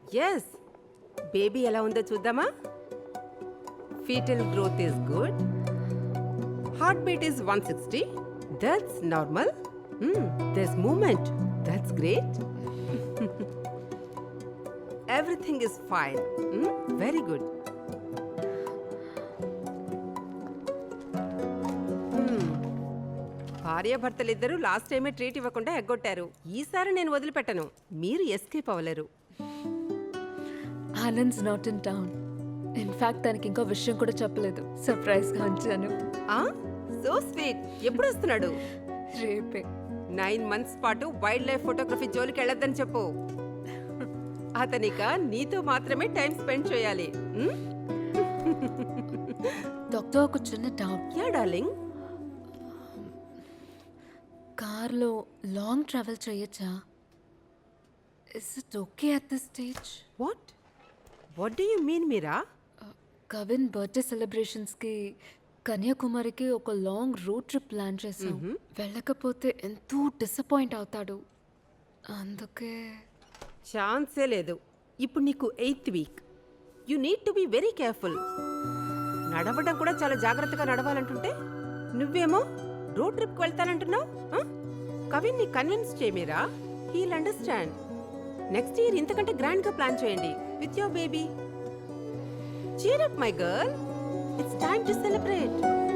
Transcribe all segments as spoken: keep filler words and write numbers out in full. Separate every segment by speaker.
Speaker 1: Yes baby ఎలా ఉందో చూద్దామా? Foetal growth is good. Heart beat is one sixty. That's normal. There's movement. That's great. Everything is fine. Very good. భార్యాభర్తలిద్దరూ last టైమే treat ఇవ్వకుండా ఎగ్గొట్టారు. ఈసారి నేను వదిలిపెట్టను. మీరు ఎస్కేప్ అవ్వలేరు.
Speaker 2: Anand's not in town. In fact తనకి ఇంకో విషయం కూడా చెప్పలేదు. సర్ప్రైజ్ గా ఉంచాను.
Speaker 1: So sweet. ఎప్పుడు వస్తున్నాడు?
Speaker 2: రేపే.
Speaker 1: నైన్ మంత్స్ పాటు వైల్డ్ లైఫ్ ఫోటోగ్రఫీ జోలికి వెళ్ళొద్దని చెప్పు. అతనిక నీతో మాత్రమే టైం స్పెండ్ చేయాలి.
Speaker 2: డాక్టర్ ఒక చిన్న డౌట్.
Speaker 1: Ya darling.
Speaker 2: కార్లో లాంగ్ ట్రావెల్ చేయొచ్చా? Is it okay at this stage?
Speaker 1: What what do you mean Meera?
Speaker 2: Kavin birthday సెలబ్రేషన్స్కి కన్యాకుమారికి ఒక లాంగ్ రోడ్ ట్రిప్ ప్లాన్ చేసాం. వెళ్ళకపోతే ఎంతో డిసప్పాయింట్ అవుతాడు. అందుకే
Speaker 1: ఛాన్సే లేదు. ఇప్పుడు నీకు eighth week. You need to be very careful. నడవడం కూడా చాలా జాగ్రత్తగా నడవాలంటుంటే నువ్వేమో రోడ్ ట్రిప్కి వెళ్తానంటున్నావు. కవిన్ ని కన్విన్స్ చేయమీరా. He'll understand. నెక్స్ట్ ఇయర్ ఇంతకంటే గ్రాండ్ గా ప్లాన్ చేయండి with your baby. Cheer up my girl. It's time to celebrate.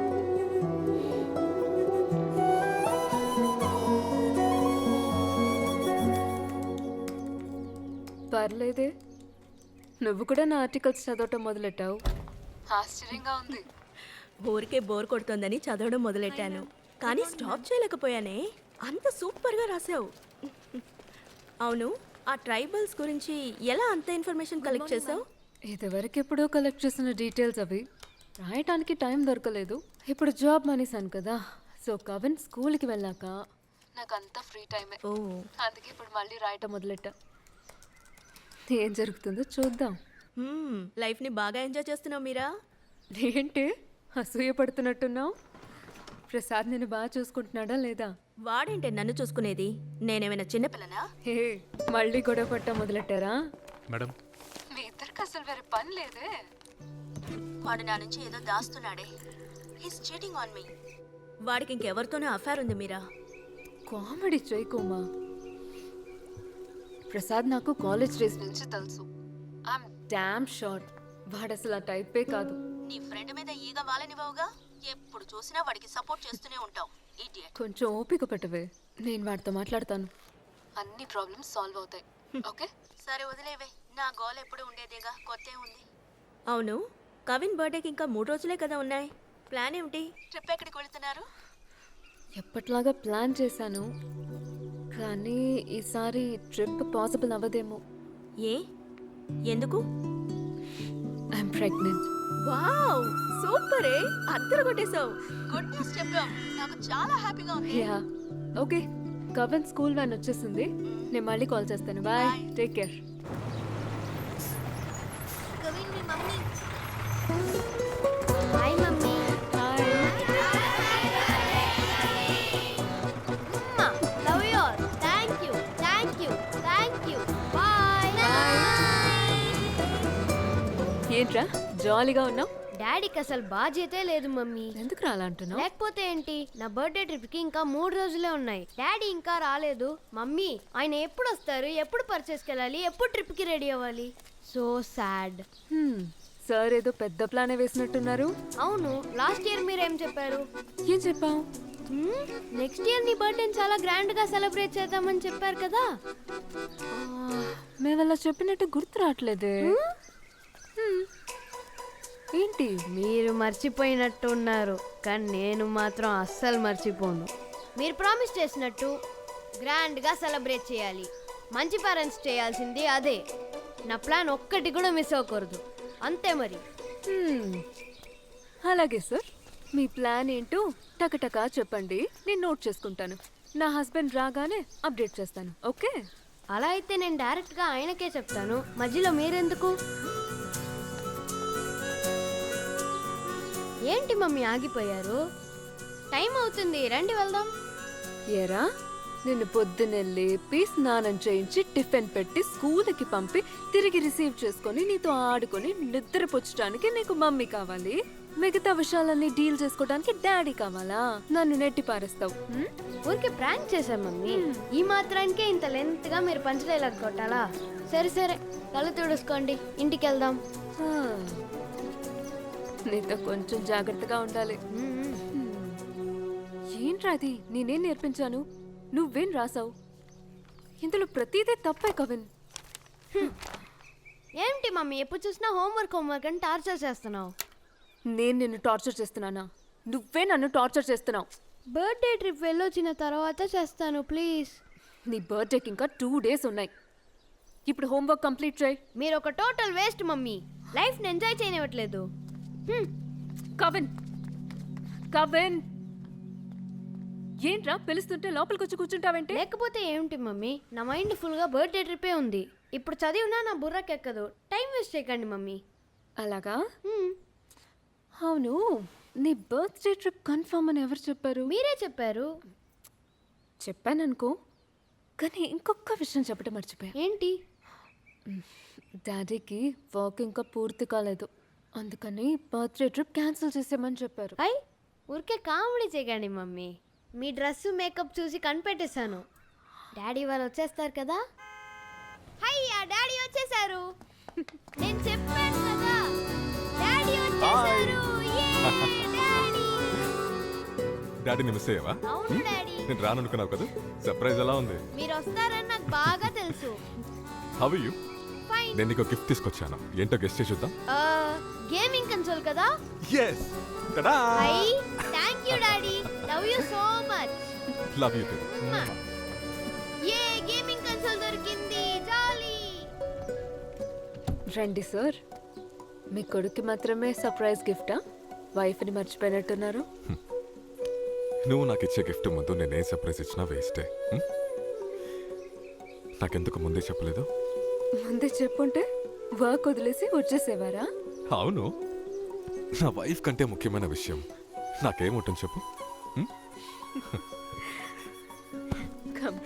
Speaker 2: పర్లేదే, నువ్వు కూడా నా ఆర్టికల్స్ చదవటం మొదలెట్టావు. ఆశ్చర్యంగా ఉంది.
Speaker 3: ఊరికే బోర్ కొడుతోందని చదవడం మొదలెట్టాను, కానీ స్టాప్ చేయలేకపోయానే. అంత సూపర్గా రాసావు. అవును, ఆ ట్రైబల్స్ గురించి ఎలా అంత ఇన్ఫర్మేషన్ కలెక్ట్ చేసావు?
Speaker 2: ఇదివరకు ఎప్పుడో కలెక్ట్ చేసిన డీటెయిల్స్ అవి. రాయటానికి టైం దొరకలేదు. ఇప్పుడు జాబ్ మానేశాను కదా, సో కవిన్ స్కూల్కి వెళ్ళాక నాకు అంతా ఫ్రీ టైమే.
Speaker 3: ఓ,
Speaker 2: అందుకే ఇప్పుడు మళ్ళీ రాయటం మొదలెట్టా. ఏం జరుగుతుందో చూద్దాం.
Speaker 3: లైఫ్ని బాగా ఎంజాయ్ చేస్తున్నావు మీరా.
Speaker 2: ఏంటి అసూయ పడుతున్నట్టున్నావు? ప్రసాద్ నేను బాగా చూసుకుంటున్నాడా లేదా?
Speaker 3: వాడేంటే నన్ను చూసుకునేది? నేనేమైనా చిన్నపిల్లనా?
Speaker 2: హే, మళ్ళీ గొడవ పట్ట మొదలెట్టారా?
Speaker 4: మేడం,
Speaker 2: మీ ఇద్దరికి అసలు వేరే పని లేదే.
Speaker 3: వాడు నా నుంచి ఏదో దాస్తున్నాడే. He's cheating on me. వాడికి ఇంకెవరితోనో అఫైర్ ఉంది మీరా.
Speaker 2: కామెడీ చేయకోమా. ప్రసాద్ నాకు కాలేజ్ డేస్ నుంచి తెలుసు. ఐఎమ్ డామ్ షూర్ వాడు అసలు ఆ టైపే కాదు.
Speaker 3: నీ ఫ్రెండ్ మీద ఈగ వాలనివ్వవుగా. ఎప్పుడు చూసినా వాడికి సపోర్ట్ చేస్తూనే ఉంటావు. ఇడియట్.
Speaker 2: కొంచెం ఓపిక పెట్టవే, నేను వాడితో మాట్లాడతాను. అన్ని ప్రాబ్లమ్స్ సాల్వ్ అవుతాయి. ఓకే,
Speaker 3: సరే వదిలేవే. నా గోల్ ఎప్పుడు ఉండేదేగా, కొత్త ఉంది. అవును, కవిన్ బర్త్డేకి ఇంకా మూడు రోజులే కదా ఉన్నాయి. ప్లాన్ ఏమిటి? ట్రిప్ ఎక్కడికి వెళ్తున్నారు?
Speaker 2: ఎప్పట్లాగా ప్లాన్ చేశాను, కానీ ఈసారి ట్రిప్ పాసిబుల్ అవ్వదేమో.
Speaker 3: ఏ, ఎందుకు?
Speaker 2: I'm pregnant.
Speaker 3: Wow, super. ఏ అద్దరు కొట్టేశావు. గుడ్ న్యూస్ చెప్పావు. నాకు చాలా హ్యాపీగా ఉంది.
Speaker 2: Ya, okay. Kavin school van వచ్చేసింది. నేను మళ్ళీ కాల్ చేస్తాను. Bye, take care.
Speaker 3: కవిన్ మీ mummy.
Speaker 5: Hi mummy.
Speaker 2: Hi.
Speaker 5: Love you all. Thank you thank you thank you. Bye.
Speaker 2: ఏంట్రా జాలీగా ఉన్నావు?
Speaker 5: డాడీకి అసలు బాధ్యతే లేదు మమ్మీ.
Speaker 2: ఎందుకు రాలంటున్నావు?
Speaker 5: లేకపోతే ఏంటి, నా బర్త్డే ట్రిప్ కి ఇంకా మూడు రోజులే ఉన్నాయి. డాడీ ఇంకా రాలేదు. మమ్మీ, ఆయన ఎప్పుడు వస్తారు, ఎప్పుడు పర్చేస్కి వెళ్ళాలి, ఎప్పుడు ట్రిప్ కి రెడీ అవ్వాలి? So sad.
Speaker 2: సార్ ఏదో పెద్ద ప్లానే వేసినట్టున్నారు.
Speaker 5: అవును, లాస్ట్ ఇయర్ మీరేం చెప్పారు?
Speaker 2: ఏం చెప్పావు?
Speaker 5: నెక్స్ట్ ఇయర్ నీ బర్త్డే చాలా గ్రాండ్ గా సెలబ్రేట్ చేద్దామని చెప్పారు కదా.
Speaker 2: మేము అలా చెప్పినట్టు గుర్తు రావట్లేదే. ఏంటి
Speaker 5: మీరు మర్చిపోయినట్టు ఉన్నారు, కానీ నేను మాత్రం అస్సలు మర్చిపోను. మీరు ప్రామిస్ చేసినట్టు గ్రాండ్గా సెలబ్రేట్ చేయాలి. మంచి పేరెంట్స్ చేయాల్సింది అదే. నా ప్లాన్ ఒక్కటి కూడా మిస్ అవ్వకూడదు, అంతే మరి.
Speaker 2: అలాగే సార్, మీ ప్లాన్ ఏంటో టకటకా చెప్పండి, నేను నోట్ చేసుకుంటాను. నా హస్బెండ్ రాగానే అప్డేట్ చేస్తాను. ఓకే?
Speaker 5: అలా అయితే నేను డైరెక్ట్గా ఆయనకే చెప్తాను, మధ్యలో మీరెందుకు? ఏంటి మమ్మీ ఆగిపోయారు? టైం అవుతుంది, రండి వెళ్దాం.
Speaker 2: ఏరా, నిన్ను పొద్దున్నే లేపి స్నానం చేయించి టిఫిన్ పెట్టి స్కూల్కి పంపి తిరిగి రిసీవ్ చేసుకొని నీతో ఆడుకొని నిద్రపుచ్చడానికి నీకు మమ్మీ కావాలి. మిగతా విషయాలన్నీ డీల్ చేసుకోవడానికి డాడీ కావాలా? నన్ను నెట్టి పారేస్తావు. హ్మ్?
Speaker 5: ఊరికే ప్రాంక్ చేశాం మమ్మీ. ఈ మాత్రానికే ఇంత లెంత్ గా మీరు పంచలేలాగా కొట్టాలా? సరే సరే కళ్ళు తుడుచుకోండి, ఇంటికి వెళ్దాం.
Speaker 2: ఆ. నీతో కొంచెం జాగ్రత్తగా ఉండాలి.
Speaker 5: మ్మ్.
Speaker 2: ఏంట్రా అది? నేనేం నేర్పించాను? నువ్వేం రాసావు? ఇందులో ప్రతిదీ తప్పే కవిన్.
Speaker 5: ఏంటి మమ్మీ ఎప్పుడు చూసినా హోంవర్క్ హోంవర్క్ అని టార్చర్ చేస్తున్నావు?
Speaker 2: నేను నిన్ను టార్చర్ చేస్తున్నానా? నువ్వే నన్ను టార్చర్ చేస్తున్నావు.
Speaker 5: బర్త్డే ట్రిప్ వెళ్ళొచ్చిన తర్వాత చేస్తాను ప్లీజ్.
Speaker 2: నీ బర్త్డేకి ఇంకా టూ డేస్ ఉన్నాయి. ఇప్పుడు హోంవర్క్ కంప్లీట్ చేయి.
Speaker 5: మీరు ఒక టోటల్ వేస్ట్ మమ్మీ. లైఫ్ని ఎంజాయ్ చేయనివ్వట్లేదు. హ్మ్.
Speaker 2: కవిన్, కవిన్, ఏంట్రా పిలుస్తుంటే లోపలికి వచ్చి కూర్చుంటావేంటి?
Speaker 5: లేకపోతే ఏమిటి మమ్మీ, నా మైండ్ ఫుల్గా బర్త్డే ట్రిప్పే ఉంది. ఇప్పుడు చదివినా నా బుర్రకెక్కదు. టైం వేస్ట్ చేయకండి మమ్మీ.
Speaker 2: అలాగా?
Speaker 5: హ్మ్.
Speaker 2: అవును, నీ బర్త్డే ట్రిప్ కన్ఫర్మ్ అని ఎవరు చెప్పారు?
Speaker 5: మీరే చెప్పారు.
Speaker 2: చెప్పాననుకో, కానీ ఇంకొక విషయం చెప్పడం మర్చిపోయా.
Speaker 5: ఏంటి?
Speaker 2: డాడీకి వర్క్ ఇంకా పూర్తి కాలేదు, అందుకని బర్త్డే ట్రిప్ క్యాన్సిల్ చేసేమని చెప్పారు.
Speaker 5: ఐ ఊరికే కామెడీ చేయకండి మమ్మీ. మీ డ్రెస్ మేకప్ చూసి కనిపెట్టేశాను. డాడీ వాళ్ళు వచ్చేస్తారు కదా. హయ్యా డాడీ వచ్చేసారు. నేను చెప్పాను కదా డాడీ వచ్చేసారు. యే డాడీ.
Speaker 4: డాడీని మిస్ అయ్యావా?
Speaker 5: అవును డాడీ.
Speaker 4: నేను రాననుకున్నావు కదా. సర్ప్రైజ్ ఎలా ఉంది?
Speaker 5: మీరు వస్తారని నాకు బాగా తెలుసు.
Speaker 4: How are you?
Speaker 5: ఫైన్.
Speaker 4: నేను నీకు గిఫ్ట్ తీసుకొచ్చాను. ఏంటో గెస్ట్ చేసి చూద్దాం.
Speaker 5: గేమింగ్ కన్సోల్ కదా.
Speaker 4: yes tada
Speaker 5: hi thank you daddy. Love you so much.
Speaker 4: Love you too.
Speaker 5: ఏ గేమింగ్ కన్సోల్ దొరికింది. జాలీ.
Speaker 2: రండి సార్. మీ కొడుకు మాత్రమే సర్ప్రైజ్ గిఫ్టా? వైఫ్ని మర్చిపోయినట్టున్నారు.
Speaker 4: నువ్వు నాకు ఇచ్చే గిఫ్ట్ ముందు నేను ఏ సర్ప్రైజ్ ఇచ్చినా వేస్టే. హ్మ్? నాకెందుకు ముందే చెప్పలేదు?
Speaker 2: ముందే చెప్పుంటే వర్క్ వదిలేసి వచ్చేసేవారా?
Speaker 4: అవును, నా వైఫ్ కంటే ముఖ్యమైన విషయం నాకేముంటుంది చెప్పు. హ్మ్?
Speaker 2: Come.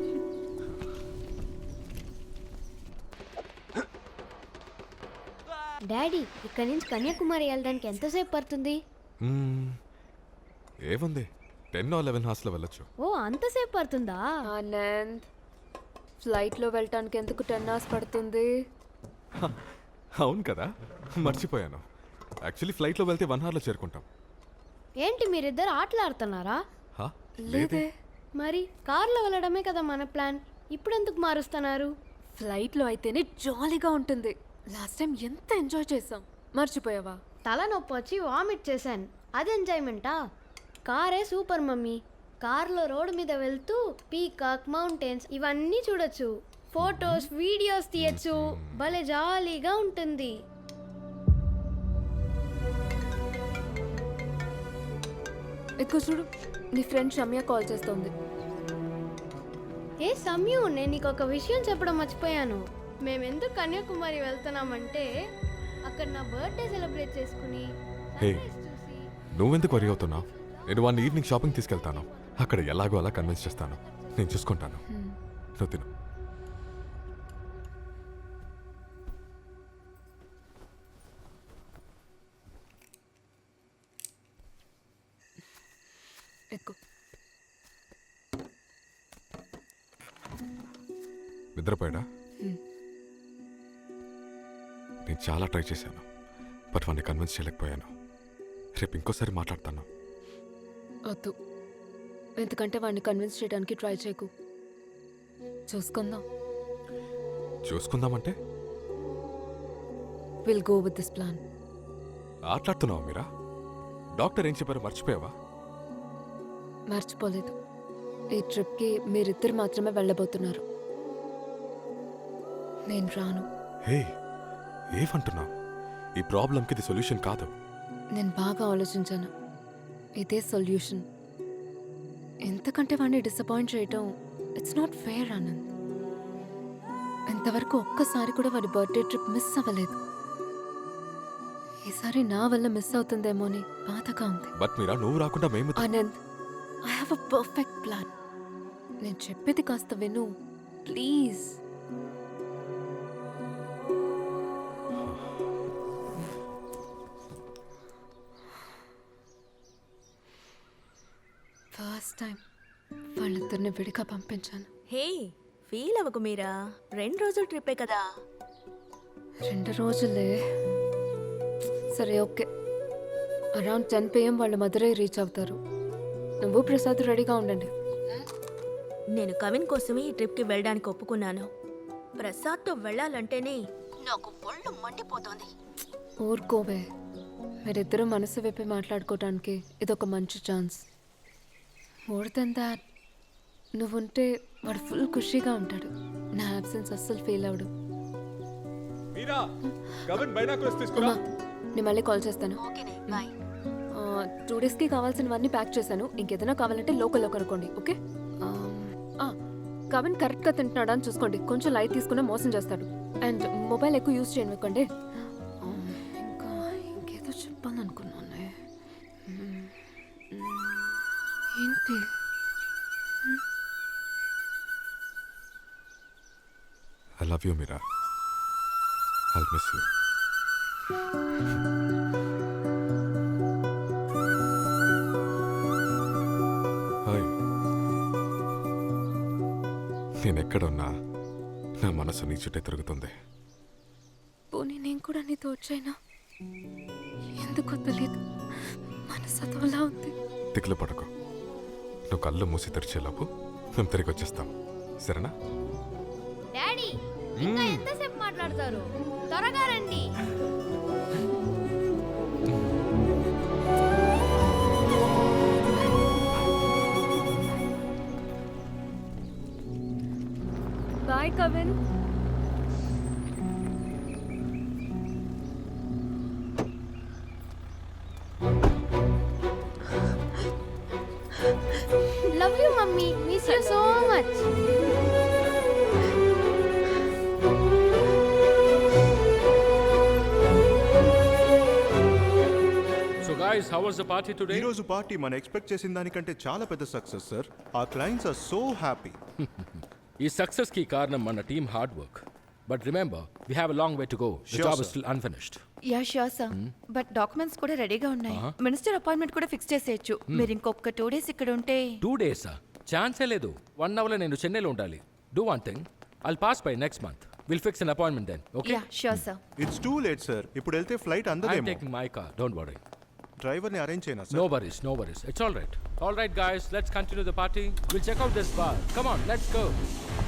Speaker 5: డాడీ ఇక్కడ నుంచి కన్యాకుమారి వెళ్ళడానికి ఎంతసేపు పడుతుంది?
Speaker 4: మ్మ్. ఏముంది, టెన్ ఆర్ లెవెన్ హార్స్లో వెళ్ళొచ్చు.
Speaker 5: ఓ అంతసేపు పడుతుందా?
Speaker 2: ఆనంద్, ఫ్లైట్లో వెళ్ళటానికి ఎందుకు టెన్ అవర్స్ పడుతుంది?
Speaker 4: హ, అవును కదా, మర్చిపోయాను. యాక్చువల్లీ ఫ్లైట్లో వెళ్తే వన్ అవర్లో చేరుకుంటాం.
Speaker 5: ఏంటి మీరిద్దరు ఆటలాడుతున్నారా?
Speaker 4: హా,
Speaker 2: లేదే.
Speaker 5: మరి కార్లో వెళ్ళడమే కదా మన ప్లాన్. ఇప్పుడు ఎందుకు మారుస్తున్నారు?
Speaker 2: ఫ్లైట్లో అయితేనే జాలీగా ఉంటుంది. లాస్ట్ టైం ఎంత ఎంజాయ్ చేసాం, మర్చిపోయావా?
Speaker 5: తలనొప్పి వచ్చి వామిట్ చేశాను. అది ఎంజాయ్మెంటా? కారే సూపర్ మమ్మీ. కార్లో రోడ్డు మీద వెళ్తూ పీకాక్, మౌంటైన్స్ ఇవన్నీ చూడొచ్చు. ఫొటోస్, వీడియోస్ తీయచ్చు. భలే జాలీగా ఉంటుంది.
Speaker 2: ఎక్కువ చూడు, నీ ఫ్రెండ్ షమ్య కాల్ చేస్తోంది.
Speaker 5: ఏ సమ్యు, నేను నీకు ఒక విషయం చెప్పడం మర్చిపోయాను. మేమెందుకు కన్యాకుమారి వెళ్తున్నామంటే అక్కడ నా బర్త్డే సెలబ్రేట్ చేసుకుని
Speaker 4: హే,
Speaker 5: sunrise చూసి.
Speaker 4: నువ్వెందుకు వరి అవుతున్నావు? నేను వన్ ఈవినింగ్ షాపింగ్ తీసుకెళ్తాను. అక్కడ ఎలాగో అలా కన్విన్స్ చేస్తాను. నేను చూసుకుంటాను. నువ్వు తిను.
Speaker 2: ఎక్కువ
Speaker 4: నిద్రపోయాడా? నేను చాలా ట్రై చేశాను, బట్ వాడిని కన్విన్స్ చేయలేకపోయాను. రేపు ఇంకోసారి మాట్లాడతాను.
Speaker 2: వద్దు, ఎందుకంటే వాడిని కన్విన్స్ చేయడానికి ట్రై చేయకు. చూసుకుందాం.
Speaker 4: చూసుకుందామంటే
Speaker 2: will go with this plan.
Speaker 4: ఆటలాడుతున్నావా మీరా? డాక్టర్ ఏం చెప్పారో మర్చిపోయావా?
Speaker 2: మర్చిపోలేదు. ఈ ట్రిప్కి మీరిద్దరు మాత్రమే వెళ్ళబోతున్నారు. నేను రాను.
Speaker 4: హే, ఏమంటున్నావు? ఈ ప్రాబ్లంకి ఇది సొల్యూషన్ కాదు.
Speaker 2: నేను బాగా ఆలోచించాను. ఇదే సొల్యూషన్. ఎంతకంటే వాడిని డిసప్పాయింట్ చేయటం ఇట్స్ నాట్ ఫెయిర్ ఆనంద్. ఇంతవరకు ఒక్కసారి కూడా వాడి బర్త్డే ట్రిప్ మిస్ అవ్వలేదు. ఈసారి నా వల్ల మిస్ అవుతుందేమో అని బాధగా ఉంది.
Speaker 4: బట్ మీరా, నువ్వు రాకుండా మేము
Speaker 2: Anand, I have a perfect plan. నేను చెప్పేది కాస్త విను ప్లీజ్. ఫస్ట్ టైం వాళ్ళిద్దరిని విడిగా పంపించాను.
Speaker 3: హే ఫీల్ అవ్వకు మీరా, రెండు రోజుల ట్రిప్పే కదా.
Speaker 2: రెండు రోజులే. సరే ఓకే, అరౌండ్ టెన్ పిఎం వాళ్ళు మధురై రీచ్ అవుతారు. నువ్వు ప్రసాద్ రెడీగా ఉండండి.
Speaker 3: నేను కవిన్ కోసమే ఈ ట్రిప్కి వెళ్ళడానికి ఒప్పుకున్నాను. ప్రసాద్తో వెళ్ళాలంటేనే నాకు ఒళ్ళు మండిపోతోంది.
Speaker 2: ఊరుకోవే, మీరిద్దరూ మనసు విప్పి మాట్లాడుకోవటానికి ఇదొక మంచి ఛాన్స్. మోర్ దెన్ దాట్, నువ్వుంటే వాడు ఫుల్ ఖుషీగా ఉంటాడు. నా అబ్సెన్స్ అస్సలు ఫీల్ అవడు.
Speaker 4: మీరా కవిన్ బైనాకులర్స్ తీసుకురా.
Speaker 2: నేను మళ్ళీ కాల్ చేస్తాను.
Speaker 3: ఓకేనే బాయ్.
Speaker 2: టూ డేస్కి కావాల్సినవన్నీ ప్యాక్ చేశాను. ఇంకేదైనా కావాలంటే లోకల్లో కనుక్కోండి. ఓకే. కవిన్ కరెక్ట్గా తింటున్నాడా అని చూసుకోండి. కొంచెం లైట్ తీసుకున్నా మోసం చేస్తాడు. అండ్ మొబైల్ ఎక్కువ యూజ్ చేయనివ్వకండి. ఇంకా ఇంకేదో చెప్పాలనుకున్నాను. ఏంటి?
Speaker 4: I love you Meera. I'll miss you. Hi. నేను ఎక్కడున్నా నా మనసు నీ చుట్టే తిరుగుతుంది.
Speaker 2: పోనీ నేను కూడా నీతో వచ్చాయినా? ఎందుకో తెలియదు, మనసు అదోలా ఉంది.
Speaker 4: తిక్కులు పడకు. నువ్వు కళ్ళు మూసి తెరిచేలోపు మేము తిరిగి వచ్చేస్తాం. సరేనా?
Speaker 5: డాడీ ఇంకా ఎంతసేపు మాట్లాడతారు? త్వరగా రండి.
Speaker 2: Bye Kavin.
Speaker 5: Love you mummy, miss you so much.
Speaker 6: So guys, how was the party today?
Speaker 7: ఈ రోజు పార్టీ మనం ఎక్స్పెక్ట్ చేసిన దానికంటే చాలా పెద్ద సక్సెస్ సార్. ఆ క్లయింట్స్ ఆర్ సో హ్యాపీ.
Speaker 6: ఈ సక్సెస్ కి కారణం మన team hard work. But remember, we have a long way to go. The
Speaker 7: Sure,
Speaker 6: job
Speaker 7: sir.
Speaker 6: Is still unfinished.
Speaker 8: Ya sure sir, but documents కూడా రెడీగా ఉన్నాయి. Minister appointment కూడా fix చేసేయచ్చు. మీరు ఇంకొక టూ డేస్ ఇక్కడ ఉంటే.
Speaker 6: టూ డేసా? ఛాన్సే లేదు. వన్ అవర్ లో నేను చెన్నైలో ఉండాలి. Do one thing, I'll pass by next month. Will fix an appointment then. Okay?
Speaker 8: Ya sure sir.
Speaker 7: It's too late sir. ఇప్పుడు వెళ్తే ఫ్లైట్
Speaker 6: ఐ యామ్
Speaker 7: అందదేమో.
Speaker 6: Taking my car, don't worry.
Speaker 7: Driver ని arrange చేయనా
Speaker 6: No
Speaker 7: sir?
Speaker 6: worries, no worries. It's all right. All right guys, let's continue the party. We'll check out this bar. Come on, let's go.